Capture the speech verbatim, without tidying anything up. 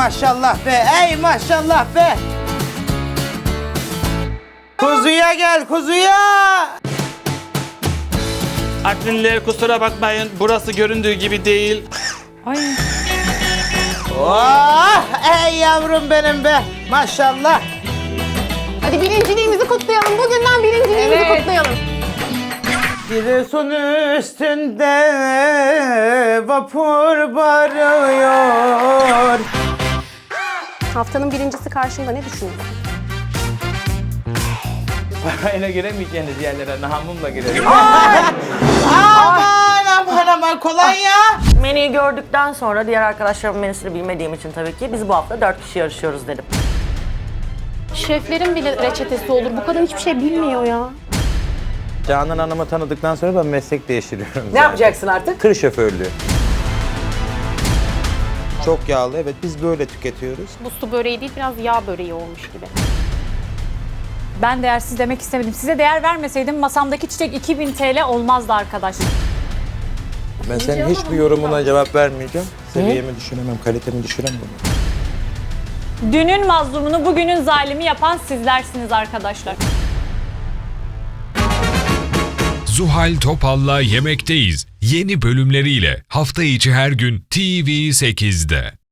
maşallah be, ey maşallah be. Kuzuya gel, kuzuya. Artvinliler kusura bakmayın, burası göründüğü gibi değil. Ay. Oh, ey yavrum benim be, maşallah. Hadi birinciliğimizi kutlayalım. Bugünden birinciliğimizi Evet. kutlayalım. Giresun üstünde vapur varıyor. Haftanın birincisi karşında ne düşünüyorsun? Parayla giremeyeceğiniz yerlere nahamımla girelim. Aman aman aman kolonya. Menüyü gördükten sonra diğer arkadaşlarımın menüsünü bilmediğim için tabii ki biz bu hafta dört kişi yarışıyoruz dedim. Şeflerin bile reçetesi olur. Bu kadın hiçbir şey bilmiyor ya. Canan Hanım'ı tanıdıktan sonra ben meslek değiştiriyorum. Ne yapacaksın artık? Tır şoförlüğü. Çok yağlı, evet biz böyle tüketiyoruz. Bu su böreği değil, biraz yağ böreği olmuş gibi. Ben değersiz demek istemedim. Size değer vermeseydim masamdaki çiçek iki bin T L olmazdı arkadaş. Ben senin hiçbir yorumuna cevap vermeyeceğim. Seviyemi düşüremem, kalitemi düşüremem. Dünün mazlumunu bugünün zalimi yapan sizlersiniz arkadaşlar. Zuhal Topal'la Yemekteyiz yeni bölümleriyle hafta içi her gün T V sekizde.